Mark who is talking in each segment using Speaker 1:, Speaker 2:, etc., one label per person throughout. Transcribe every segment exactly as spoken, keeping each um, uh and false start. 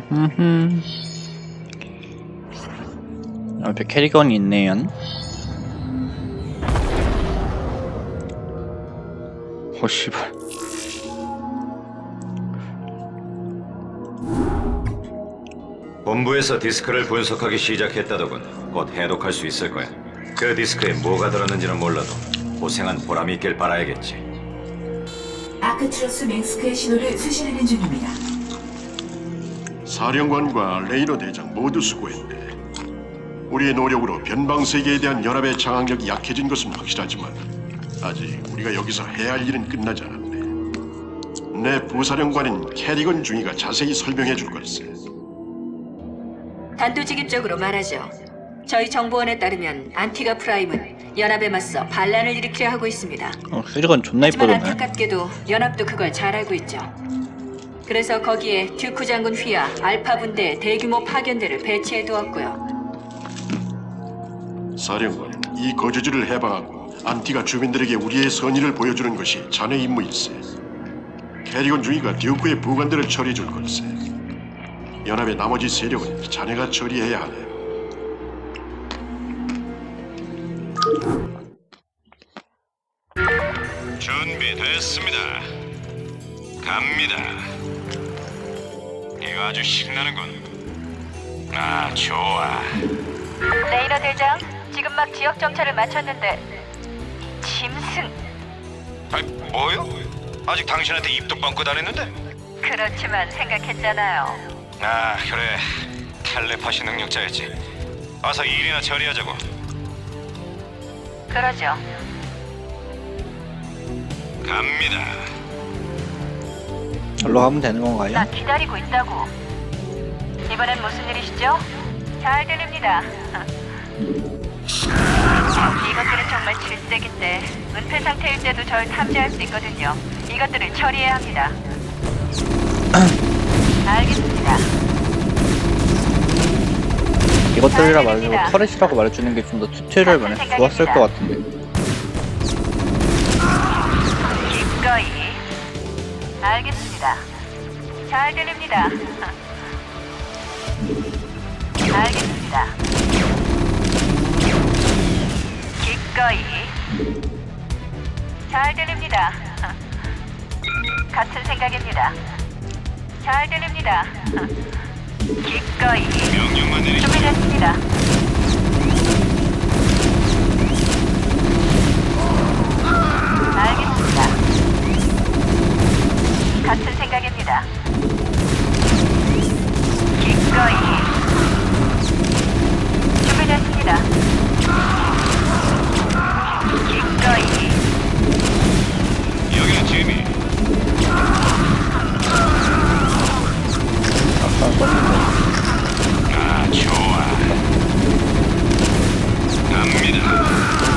Speaker 1: 흠흠. 옆에 캐리건이 있네요. 어 씨발.
Speaker 2: 본부에서 디스크를 분석하기 시작했다더군. 곧 해독할 수 있을 거야. 그 디스크에 뭐가 들었는지는 몰라도 고생한 보람이 있길 바라야겠지.
Speaker 3: 아크트로스 맹스크의 신호를 수신하는 중입니다.
Speaker 4: 사령관과 레이너 대장 모두 수고했네. 우리의 노력으로 변방세계에 대한 연합의 장악력이 약해진 것은 확실하지만 아직 우리가 여기서 해야 할 일은 끝나지 않았네. 내 부사령관인 캐리건 중위가 자세히 설명해 줄 걸세.
Speaker 5: 단도직입적으로 말하죠. 저희 정보원에 따르면 안티가 프라임은 연합에 맞서 반란을 일으키려 하고 있습니다.
Speaker 1: 어, 캐리건 존나
Speaker 5: 하지만
Speaker 1: 이쁘던데.
Speaker 5: 안타깝게도 연합도 그걸 잘 알고 있죠. 그래서 거기에 듀크 장군 휘하 알파 분대의 대규모 파견대를 배치해 두었고요.
Speaker 4: 사령관, 이 거주지를 해방하고 안티가 주민들에게 우리의 선의를 보여주는 것이 자네 임무일세. 캐리건 중위가 듀크의 부관들을 처리해 줄 걸세. 연합의 나머지 세력은 자네가 처리해야 하네.
Speaker 2: 준비됐습니다. 갑니다. 이거 아주 신나는군. 아, 좋아.
Speaker 5: 레이너 대장, 지금 막 지역 정찰을 마쳤는데 짐승.
Speaker 2: 아, 뭐요? 아직 당신한테 입도 뻥끗 안 했는데?
Speaker 5: 그렇지만 생각했잖아요.
Speaker 2: 아, 그래. 텔레파시 능력자였지. 어서 일이나 처리하자고.
Speaker 5: 그러죠.
Speaker 2: 갑니다.
Speaker 1: 절로 가면 되는 건가요?
Speaker 5: 나 기다리고 있다고. 이번엔 무슨 일이시죠? 잘 들립니다. 이것들은 정말 질색인데 은폐 상태일 때도 절 탐지할 수 있거든요. 이것들을 처리해야 합니다. 알겠습니다.
Speaker 1: 이것들이라 말해주고 터렛이라고 말해주는 게 좀 더 튜토리얼 면에 좋았을 것 같은데.
Speaker 5: 기꺼이. 알겠습니다. 잘 들립니다. 알겠습니다. 기꺼이. 잘 들립니다. 같은 생각입니다. 잘 들립니다. 기꺼이.
Speaker 2: 명령만 내리십시오.
Speaker 5: 준비됐습니다. 알겠습니다. 같은 생각입니다. 기꺼이. 준비됐습니다. 기꺼이.
Speaker 2: 여기는 지미.
Speaker 1: 아까 썼는데.
Speaker 2: 아, 좋아. 갑니다.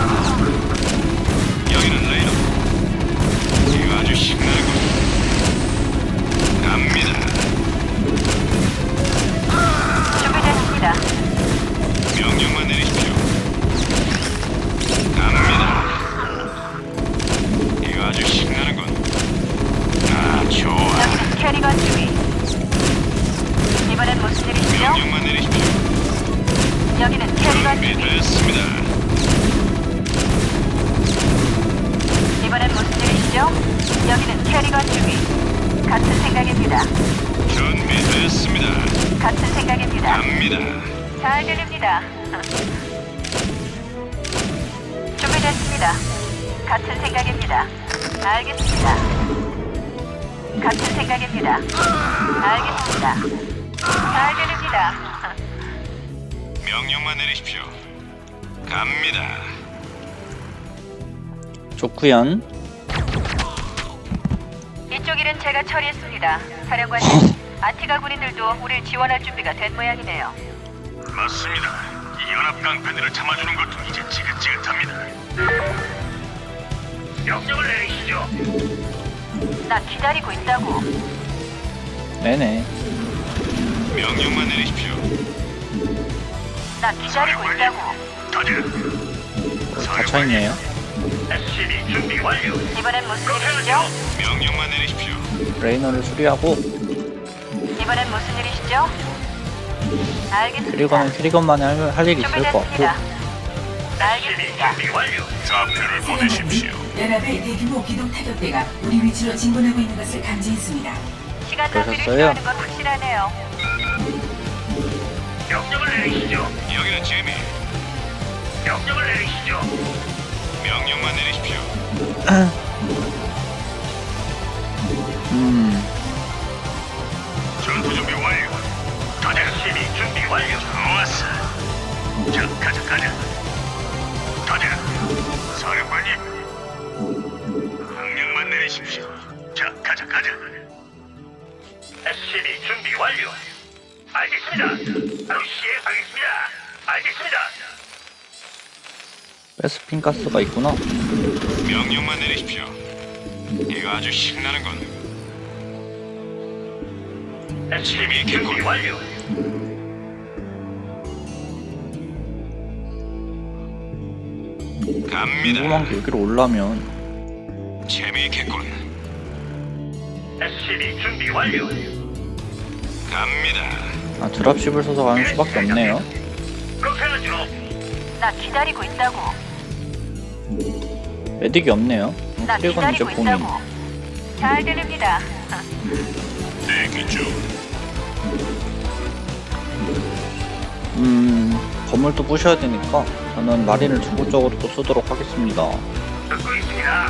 Speaker 2: 여기는 레이너. 이거 아주 신나고. 갑니다.
Speaker 5: 준비됐습니다.
Speaker 2: 명령만 내리십시오. 갑니다. 이거 아주 신나는군. 아, 좋아.
Speaker 5: 여기는 캐리건 주위. 이번엔 무슨 일이시죠?
Speaker 2: 명령만 내리십시오.
Speaker 5: 여기는 캐리건 주위.
Speaker 2: 준비됐습니다.
Speaker 5: 이번엔 무슨 일이시죠? 여기는 캐리건 주위. 같은 생각입니다.
Speaker 2: 준비됐습니다.
Speaker 5: 같은 생각입니다.
Speaker 2: 갑니다.
Speaker 5: 잘 들립니다. 준비됐습니다. 같은 생각입니다. 알겠습니다. 같은 생각입니다. 알겠습니다. 잘 들립니다.
Speaker 2: 명령만 내리십시오. 갑니다.
Speaker 1: 좋구연.
Speaker 5: 이쪽 일은 제가 처리했습니다. 사령관님, 아티가 군인들도 우릴 지원할 준비가 된 모양이네요.
Speaker 2: 맞습니다. 이 연합 깡패들을 참아주는 것도 이제 지긋지긋합니다. 명령을 내리시죠.
Speaker 5: 나 기다리고 있다고.
Speaker 1: 네네.
Speaker 2: 명령만 내리십시오.
Speaker 5: 나 기다리고 있다고.
Speaker 2: 다들
Speaker 1: 갇혀있네요.
Speaker 2: 에스시비 준비 완료.
Speaker 5: 이번엔 무슨 일이시죠?
Speaker 2: 명령만 내리십시오.
Speaker 1: 레이너를 수리하고
Speaker 5: 이번엔 무슨 일이시죠?
Speaker 6: 있죠? 알겠습니다.
Speaker 1: 트리거는 트리거만이 할, 할 일이 있을 것 같고.
Speaker 6: 준비됐습니다. 알겠습니다.
Speaker 7: 좌표를 보내십시오.
Speaker 3: 연합의 대규모 기동 타격대가 우리 위치로 진군하고 있는 것을 감지했습니다.
Speaker 6: 시간 낭비를
Speaker 1: 그러셨어요?
Speaker 6: 싫어하는 건 확실하네요.
Speaker 7: 명령을 내리시죠. 여기는 재미. 명령을 내리시죠. 명령만 내리십시오.
Speaker 1: 음,
Speaker 7: 전투 준비 완료. 가자. 시비 준비 완료. 좋았어. 자, 가자, 가자. 가자. 사령관님. 명령만 내리십시오. 자, 가자, 가자. 시비 준비 완료. 알겠습니다. 바로 시행하겠습니다. 알겠습니다.
Speaker 1: 베스핀 가스가 있구나.
Speaker 7: 명령만 내리십시오. 이거 아주 신나는군. 재미있겠군. 완료. 갑니다.
Speaker 1: 궁금한 게 여기로 올라면
Speaker 7: 재미있겠군. 에스시비 준비 완료. 갑니다.
Speaker 1: 아 드랍십을 써서 가는 수밖에 없네요.
Speaker 7: 그렇게 하죠.
Speaker 6: 나 기다리고 있다고.
Speaker 1: 메딕이 없네요.
Speaker 6: 나
Speaker 1: 트리거는 이제
Speaker 6: 기다리고
Speaker 1: 본인.
Speaker 6: 있다고. 잘 들립니다.
Speaker 7: 대기 중.
Speaker 1: 음, 건물도 부셔야 되니까 저는 마린을 중국적으로 또 쓰도록 하겠습니다.
Speaker 7: 듣고 있습니다.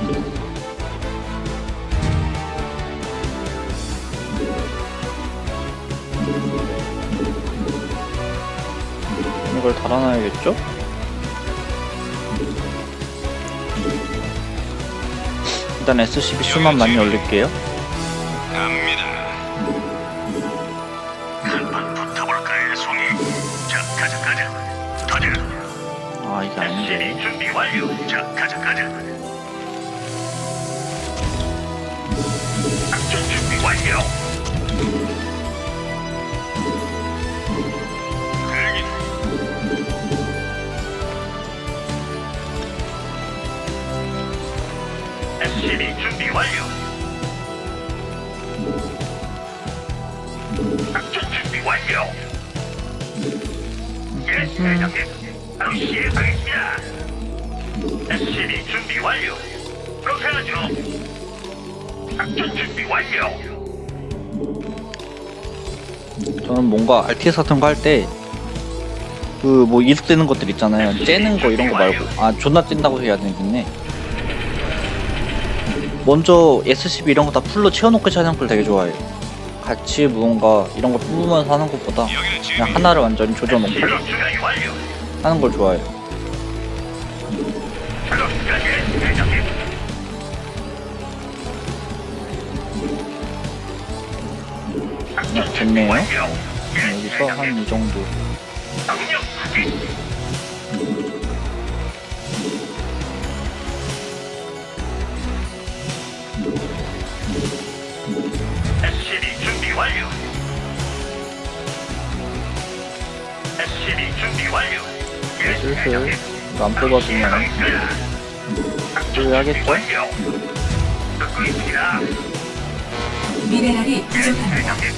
Speaker 1: 이걸 달아놔야겠죠? 일단 에스씨비 수만 많이 올릴게요.
Speaker 7: 갑니다. 한판 붙어볼까요, 송이? 자, 가자, 가자. 가자.
Speaker 1: 아 이게 아닌데.
Speaker 7: 에스시비 준비 완료. 자, 가자, 가자. 작전 준비 완료. 대기. 에스시비 준비 완료. 작전 준비 완료. 예, 대장님. 바로 시행하겠습니다. 에스시비 준비 완료. 그렇게 하죠. 작전 준비 완료.
Speaker 1: 저는 뭔가 알티에스 같은 거 할 때 그 뭐 이득되는 것들 있잖아요. 째는 거 이런 거 말고 아 존나 찐다고 해야 되겠네. 먼저 에스씨비 이런 거 다 풀로 채워놓고 하는 걸 되게 좋아해요. 같이 무언가 이런 걸 뽑으면서 하는 것보다 그냥 하나를 완전히 조져놓고
Speaker 7: 작업 준비 완료.
Speaker 1: 하는 걸 좋아해요.
Speaker 7: 작업 끝, 대장님.
Speaker 1: 네, 됐네요. 여기서 한 이 정도.
Speaker 7: 명령 확인. 에스시비 준비 완료. 에스시비 준비 완료. 예,
Speaker 1: 슬슬
Speaker 7: 대장님.
Speaker 1: 이거 안 뽑아주면 해야겠죠?
Speaker 7: 완료. 듣고 있습니다.
Speaker 3: 미네랄이
Speaker 7: 예,
Speaker 3: 부족합니다.
Speaker 7: 대장님.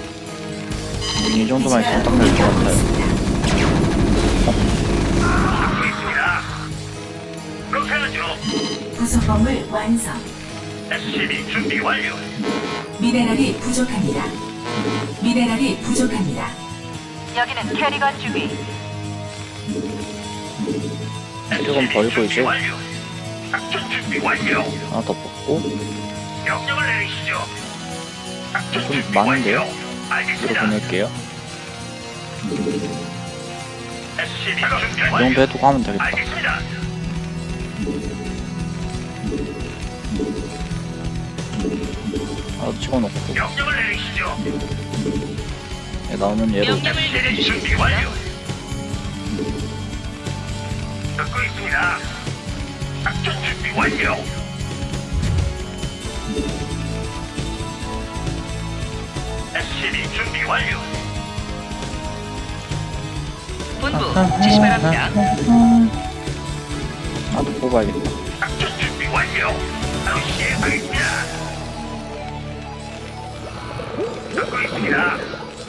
Speaker 1: 이 정도만 있으면 딱 될 것 같아요.
Speaker 7: 듣고 있습니다. 그렇게 하죠.
Speaker 3: 부속 건물 완성.
Speaker 7: 에스시비 준비 완료.
Speaker 3: 미네랄이 부족합니다. 미네랄이 부족합니다.
Speaker 6: 여기는 캐리건 주기.
Speaker 1: 이건 버리고 이제
Speaker 7: 완료. 작전 준비 완료.
Speaker 1: 하나 더 뽑고
Speaker 7: 명령을 내리시죠. 작전
Speaker 1: 좀
Speaker 7: 준비
Speaker 1: 많은데요?
Speaker 7: 완료.
Speaker 1: 뒤로
Speaker 7: 알겠습니다.
Speaker 1: 보낼게요.
Speaker 7: 에스시비 준비
Speaker 1: 이
Speaker 7: 완료.
Speaker 1: 정도 해두고 하면 되겠다.
Speaker 7: 알겠습니다.
Speaker 1: 하나 찍어놓고
Speaker 7: 명령을 내리시죠.
Speaker 1: 얘 나오면 얘로
Speaker 7: 에스시비 준비 완료. 듣고 있습니다. 작전 준비 완료. 에스시비 준비 완료.
Speaker 5: 본부 지시 바랍니다.
Speaker 1: 나도 뽑아야겠다.
Speaker 7: 작전 준비 완료. 바로 시행하겠습니다. 듣고 있습니다.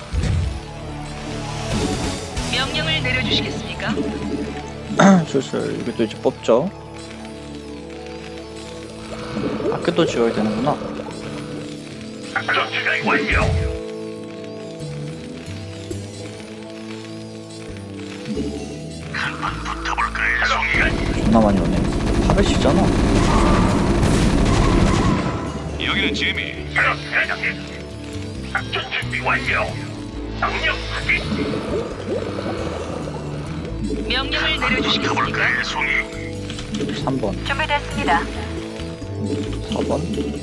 Speaker 1: 슬슬 이게 또 이제 뽑죠. 아껴도 지워야 되는구나.
Speaker 7: 작전 준비 완료. 한판 붙어볼까요, 송이?
Speaker 1: 존나 많이 오네. 팔십이잖아.
Speaker 7: 여기는 지미. 작업 대장님. 작전 준비 완료. 명령 확인.
Speaker 5: 명령을 내려주시겠습니까?
Speaker 7: 붙어볼까요, 송이?
Speaker 1: 삼 번,
Speaker 6: 준비됐습니다.
Speaker 1: 사 번.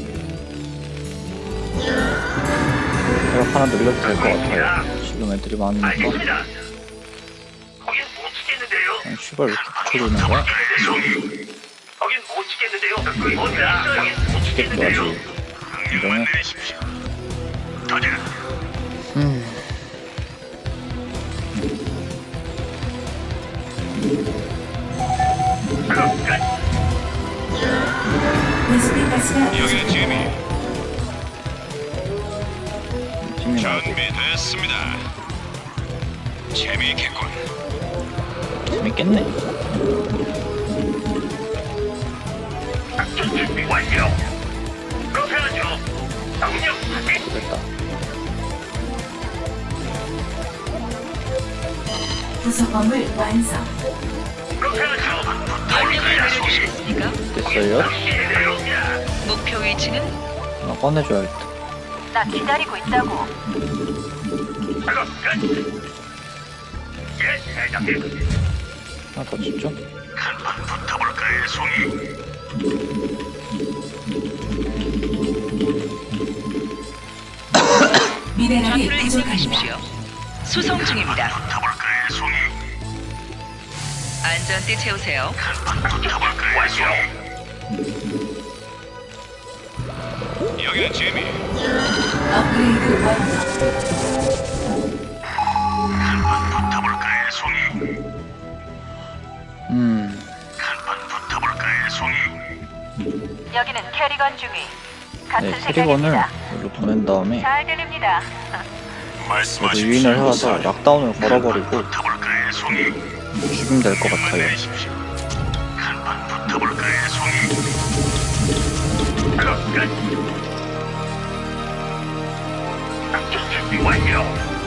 Speaker 1: 제가 하나 늘려도 될 것 같아요. 지금 애들이 많으니까.
Speaker 7: 알겠습니다. 거긴 못 치겠는데요.
Speaker 1: 그냥 씨발 왜 이렇게 붙여주는 거야?
Speaker 7: 거긴 못 치겠는데요. 어디야? 거긴 못
Speaker 1: 치겠죠,
Speaker 7: 치겠는데요.
Speaker 1: 아직.
Speaker 7: 명령만 내리십시오. 터져.
Speaker 1: 음.
Speaker 7: 작업 끝.
Speaker 3: 베스핀 가스가
Speaker 7: 여기는 지미.
Speaker 1: 팀이 나오고.
Speaker 7: 준비됐습니다. 재미있겠군.
Speaker 1: 재밌겠네.
Speaker 7: 작전 준비 완료. 그렇게 하죠. 명령 확인.
Speaker 1: 됐다.
Speaker 3: 부속 건물 완성.
Speaker 7: 그렇게 하죠.
Speaker 5: 명령을 내려주시겠습니까?
Speaker 1: 됐어요.
Speaker 5: 목표 위치는
Speaker 1: 하나 꺼내줘야겠다.
Speaker 6: 나 기다리고 있다고.
Speaker 7: 작업 끝. 예, 대장님.
Speaker 1: 하나 더 집중.
Speaker 7: 한판 붙어볼까요, 송이?
Speaker 3: 미네랄이
Speaker 5: 좌표를
Speaker 3: 부족합니다.
Speaker 5: 입력하십시오. 수송 중입니다.
Speaker 7: 붙어볼까요, 송이?
Speaker 5: 안전띠 채우세요.
Speaker 7: 한판 붙어볼까요, 송이? 여기는 재미.
Speaker 3: 업그레이드 완료.
Speaker 7: 한판 붙어볼까요, 송이?
Speaker 1: 음.
Speaker 7: 한판 붙어볼까요, 송이?
Speaker 6: 여기는 캐리건 중위. 같은
Speaker 1: 네, 캐리건을
Speaker 6: 생각입니다.
Speaker 1: 여기로 보낸 다음에
Speaker 6: 잘 들립니다.
Speaker 1: 저도 유인을 해와서 락다운을 걸어버리고
Speaker 7: 붙어볼까요, 송이?
Speaker 1: 죽이면 될 것 같아요.
Speaker 7: 내리십시오. 한판 붙어볼까요, 송이? 작업 끝. 작전 준비 완료.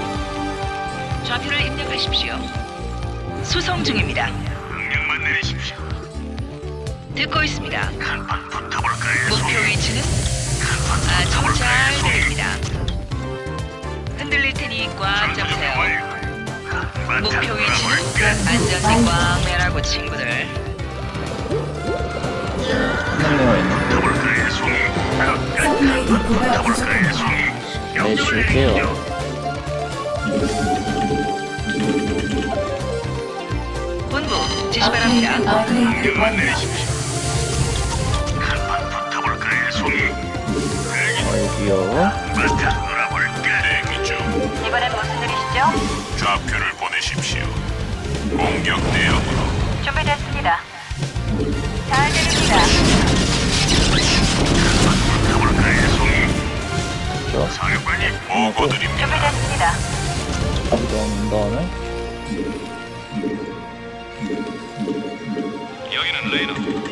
Speaker 5: 좌표를 입력하십시오. 수송 중입니다.
Speaker 7: 명령만 내리십시오.
Speaker 5: 듣고 있습니다.
Speaker 7: 한판 붙어볼까요,
Speaker 5: 목표
Speaker 7: 송이?
Speaker 5: 위치는 아주 잘 들립니다. 흔들릴 테니 꽉 잡으세요. 목표 위치는 안전띠 꽉 매라고 친구들.
Speaker 1: 한명이가 있네.
Speaker 7: 붙어볼까요, 송이? 작업 끝.
Speaker 3: 서플라이 디포가
Speaker 7: 붙어볼까요,
Speaker 3: 부족합니다.
Speaker 7: 송이?
Speaker 1: 네, 줄게요.
Speaker 5: 본부 지시 바랍니다.
Speaker 3: 업그레이드
Speaker 7: 명령만
Speaker 3: 완료.
Speaker 7: 내리십시오. 한판 붙어볼까요, 송이?
Speaker 1: 어이디요.
Speaker 7: 맞아, 놀아볼까? 대기 중.
Speaker 6: 이번엔 무슨 일이시죠?
Speaker 7: 좌표를 보내십시오. 공격 대응으로.
Speaker 6: 준비됐습니다. 잘 들립니다.
Speaker 7: 붙어볼까요, 송이?
Speaker 1: 저
Speaker 7: 사령관님, 보고드립니다.
Speaker 6: 준비됐습니다.
Speaker 1: 여기다 온 다음에
Speaker 7: 여기는 레이너.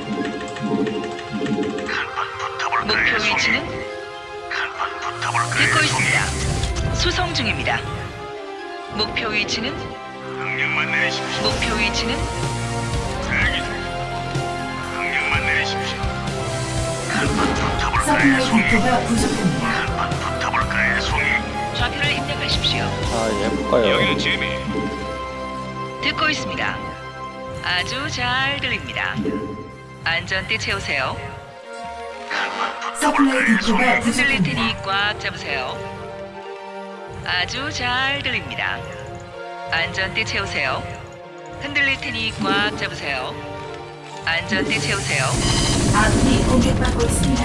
Speaker 7: 한판 붙어볼까요,
Speaker 5: 목표
Speaker 7: 송이?
Speaker 5: 위치는
Speaker 7: 한판 붙어볼까요,
Speaker 5: 듣고
Speaker 7: 송이?
Speaker 5: 있습니다. 수송 중입니다. 목표 위치는
Speaker 7: 명령만 내리십시오.
Speaker 5: 목표 위치는
Speaker 7: 대기 중. 명령만 내리십시오. 한판 붙어볼까요,
Speaker 3: 서플라이
Speaker 7: 송이?
Speaker 3: 디포가 부족합니다.
Speaker 7: 한판 붙어볼까요, 송이?
Speaker 5: 좌표를 입력하십시오.
Speaker 1: 자 해볼까요?
Speaker 7: 재미.
Speaker 5: 듣고 있습니다. 아주 잘 들립니다. 안전띠 채우세요.
Speaker 3: 서플라이 디포가
Speaker 5: 흔들릴
Speaker 3: 부족합니다.
Speaker 5: 테니 꽉 잡으세요. 아주 잘 들립니다. 안전띠 채우세요. 흔들릴 테니 꽉 잡으세요. 안전띠 채우세요.
Speaker 3: 아군이 공격받고 있습니다.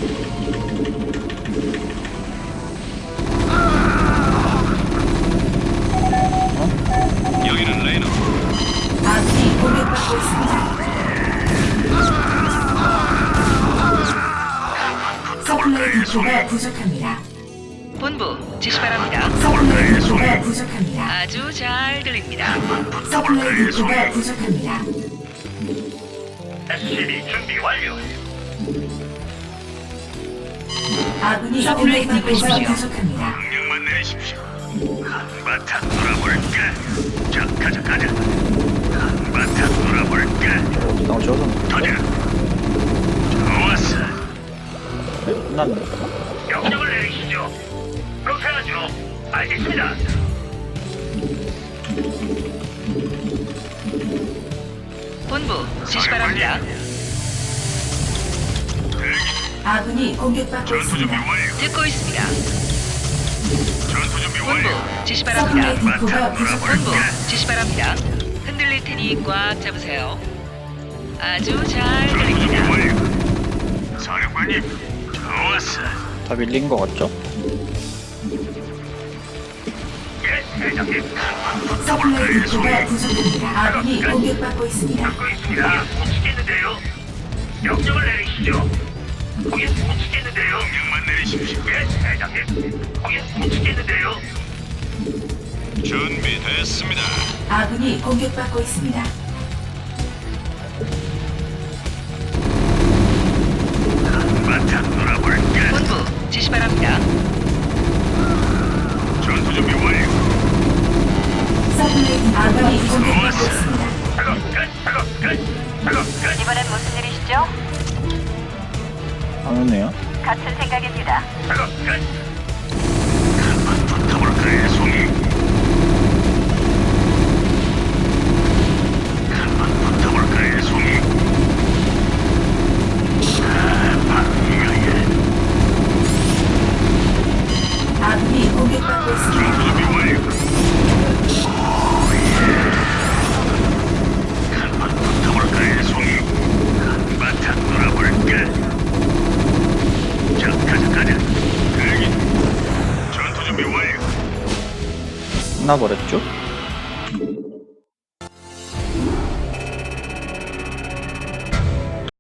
Speaker 7: 여기는 레이너.
Speaker 3: 아군이 공격받고 있습니다. 서플라이 디포가 부족합니다.
Speaker 5: 본부 지시 바랍니다.
Speaker 3: 서플라이 디포가 부족합니다.
Speaker 5: 아주 잘 들립니다.
Speaker 3: 서플라이 디포가 부족합니다.
Speaker 7: 에스씨비 준비 완료.
Speaker 3: 아군이 공격받고 있어 부족합니다.
Speaker 7: 명령만 내리십시오. 한바탕 놀아볼까? 자, 가자, 가자. 한바탕 놀아볼까?
Speaker 1: 어디다가 지어졌는데?
Speaker 7: 터져. 좋았어.
Speaker 1: 네, 끝났네.
Speaker 7: 명령을 내리시죠. 그렇게 하죠. 알겠습니다.
Speaker 8: 본부 지시 바랍니다.
Speaker 3: 아군이 공격받고
Speaker 7: 전투 준비
Speaker 3: 있습니다.
Speaker 7: 완료.
Speaker 8: 듣고 있습니다.
Speaker 7: 전투 준비
Speaker 8: 본부
Speaker 7: 완료.
Speaker 8: 지시 바랍니다.
Speaker 3: 서플라이 디포가
Speaker 8: 본부
Speaker 3: 부족합니다.
Speaker 8: 지시 바랍니다. 흔들릴 테니 꽉 잡으세요. 아주 잘
Speaker 7: 전투 준비
Speaker 8: 들립니다.
Speaker 7: 완료. 사령관님, 좋았어.
Speaker 1: 다 밀린 거 같죠?
Speaker 7: 예, 대장님.
Speaker 3: 서플라이 디포가 부족합니다. 아군이 공격받고 있습니다.
Speaker 7: 듣고 있습니다. 못 치겠는데요. 명령을 내리시죠. 거긴 못 치겠는데요. 명령만 내리십시오. 예, 대장님. 거긴 못 치겠는데요. 준비됐습니다.
Speaker 3: 아군이 공격받고 있습니다.
Speaker 7: 한바탕 놀아볼까?
Speaker 8: 본부 지시 바랍니다.
Speaker 7: 전투 준비 완료.
Speaker 3: 서플라이 아군이 공격받고 있습니다.
Speaker 7: 작업 끝, 작업 끝, 작업 끝.
Speaker 6: 이번엔 무슨 일이시죠?
Speaker 1: 안 오네요.
Speaker 6: 같은 생각입니다.
Speaker 7: 작업 끝. 한번 붙어볼까요, 송이? 한번 붙어볼까요, 송이? 아, 바로 이거야.
Speaker 3: 아군이 공격받고 있습니다.
Speaker 7: 전투 준비 완료. 한번 붙어볼까요, 송이? 한바탕 놀아볼까? 자, 가자, 가자. 대기. 전투 준비 완료.
Speaker 1: 끝나버렸죠?